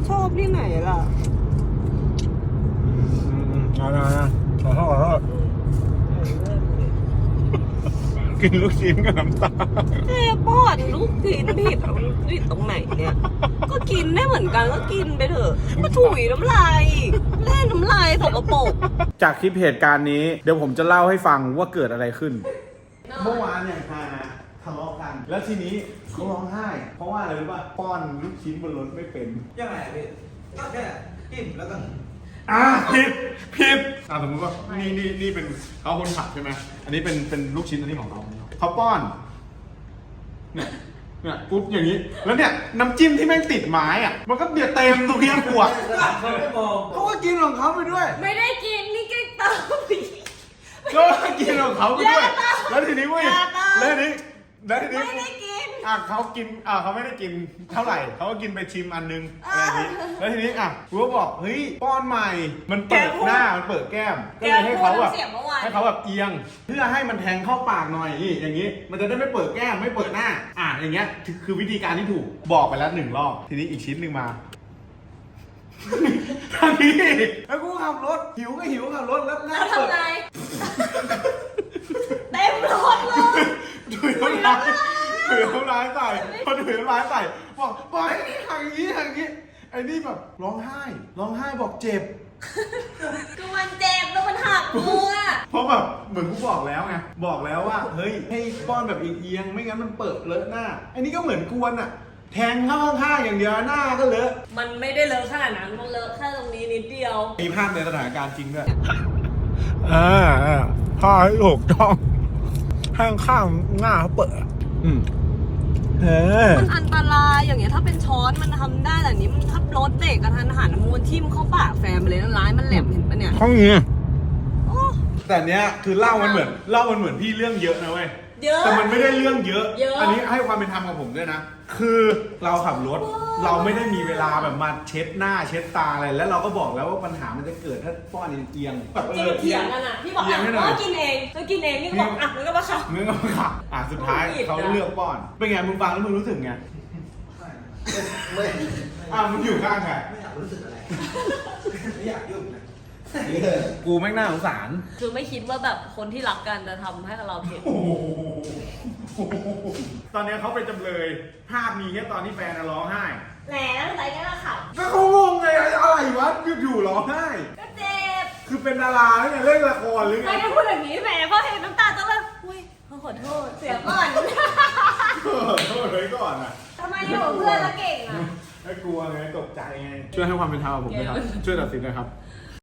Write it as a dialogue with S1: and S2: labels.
S1: ชอบที่ไหนล่ะ
S2: ขอโทษกินลูกชิ้นกับน้ำตาล
S1: ป้อนลูกกินผิดตรงไหนเนี่ย ก็กินได้เหมือนกันก็กินไปเถอะมาถุยน้ำลายเล่นน้ำลายสกปรก
S2: จากคลิปเหตุการณ์นี้เดี๋ยวผมจะเล่าให้ฟังว่าเกิดอะไรขึ้น เมื่อวานอย่างฮาทะเลาะกัน แล้วทีนี้เขาร้องไห้ เพราะว่าอะไรรู้ป่ะป้อนลูกชิ้นบนรถไม่เป็น
S3: ยังไงพี่ก็แค่จิ้มแล้วก็
S2: ผิดสมมติว่านี่เป็นเขาคนขับใช่ไหมอันนี้เป็นลูกชิ้นอันนี้ของเขาป้อนเนี่ยปุ๊บอย่างนี้แล้วเนี่ยน้ำจิ้มที่แม่งติดไม้อ่ะมันก็เดือดเต็มตรงนี้ขวด
S3: เขาไม่มอง
S2: เขาก็กินของเขาไปด้วย
S1: ไม่ได้กินนี่แกงเติม
S2: ก็กินของเขาไปด้วยแล้วทีนี้เว้ยแล้วทีนี้
S1: ไม่ได้กิน
S2: เขากินเขาไม่ได้กินเท่าไหร่เขาก็กินไปชิมอันนึงอะไรอย่างนี้แล้วทีนี้กูก็บอกเฮ้ยป้อนใหม่มันเปิดหน้ามันเปิดแก้มก็เลยให้เขาแบบเอียงเพื่อให้มันแทงเข้าปากหน่อยนี่อย่างนี้มันจะได้ไม่เปิดแก้มไม่เปิดหน้าอย่างเงี้ยคือวิธีการที่ถูกบอกไปแล้ว1 รอบทีนี้อีกชิ้นหนึ่งมาทันทีแล้วกูขับรถหิวก็หิวขับรถแล้วหน้าเปิด
S1: ทำไงเต็มรถเลย
S2: ถือน้ำลายใส่พอถือน้ำลายใส่บอกปล่อยอย่างนี้ไอ้นี่แบบร้องไห้บอกเจ็บ
S1: ก็มันเจ็บแล้วมันหักมือ
S2: เพราะแบบเหมือนกูบอกแล้วไงบอกแล้วว่าเฮ้ยให้ป้อนแบบเอียงไม่งั้นมันเปิดเลอะหน้าไอ้นี่ก็เหมือนกวนแทงเข้าข้างๆอย่างเดียวหน้าก็เลอะ
S1: มันไม่ได้เลอะขนาดนั้นมันเลอะแค่ตรงนี้นิดเดียว
S2: มีภาพในสถานการณ์จริงด้วยผ้าให้ถูกต้องข้างหน้าเขาเปิด
S1: มันอันตรายอย่างเงี้ยถ้าเป็นช้อนมันทำได้แต่นี้มันทับรถเด็กกระทันหันมูลทิ่มเข้าปากแฟนไปเลยนะร้ายมันแหลมเห็นปะเนี่ย
S2: ห้องนี้แต่เนี้ยคือเล่ามันเหมือนพี่เรื่องเยอะนะเว้ยแต่มันไม่ได้เรื่องเยอะอันนี้ให้ความเป็นธรรมกับผมด้วยนะคือเราขับรถเราไม่ได้มีเวลาแบบมาเช็ดหน้าเช็ดตาอะไรแล้วเราก็บอกแล้วว่าปัญหามันจะเกิดถ้าป้อนเอียงแบบ
S1: เถียงกันพี่บอกว่ากินเองนี่ก็บอกมันก็มาขับ
S2: สุดท้ายเขาเลือกป้อนเป็นไงมึงฟังแล้วมึงรู้สึกไง
S3: ไม่
S2: มึงอยู่ข้างใคร
S3: ไม่อยากรู้สึกอะไรไม่อยากยุ่งนะ
S2: กูแม่งน่าสงสาร
S1: คือไม่คิดว่าแบบคนที่รักกันจะทำให้เราเผ็ด
S2: ตอนนี้เขาเป็นจำเลยภาพมีแค่ตอนที่แฟนร้องไห้
S1: แหมอะไรกันล่ะค่ะ
S2: ก็เขางงไงอะไรวะอยู่ร้องไห้
S1: ก็เจ็บ
S2: คือเป็นดาราหรือไงเล่นละครหรือไง
S1: ไม่ได้พูดอย่างนี้แหมเพราะเห็นน้ำตาต้องแบบอุ้ยขอโทษเสียก่อน
S2: โทษเลยก่อน
S1: ทำไมอยู่เพื่อนละเก่ง
S2: ไม่กลัวไงตกใจไงช่วยให้ความเป็นธรรมกับผมด้วยครับช่วยตัดสินหน่อยครับ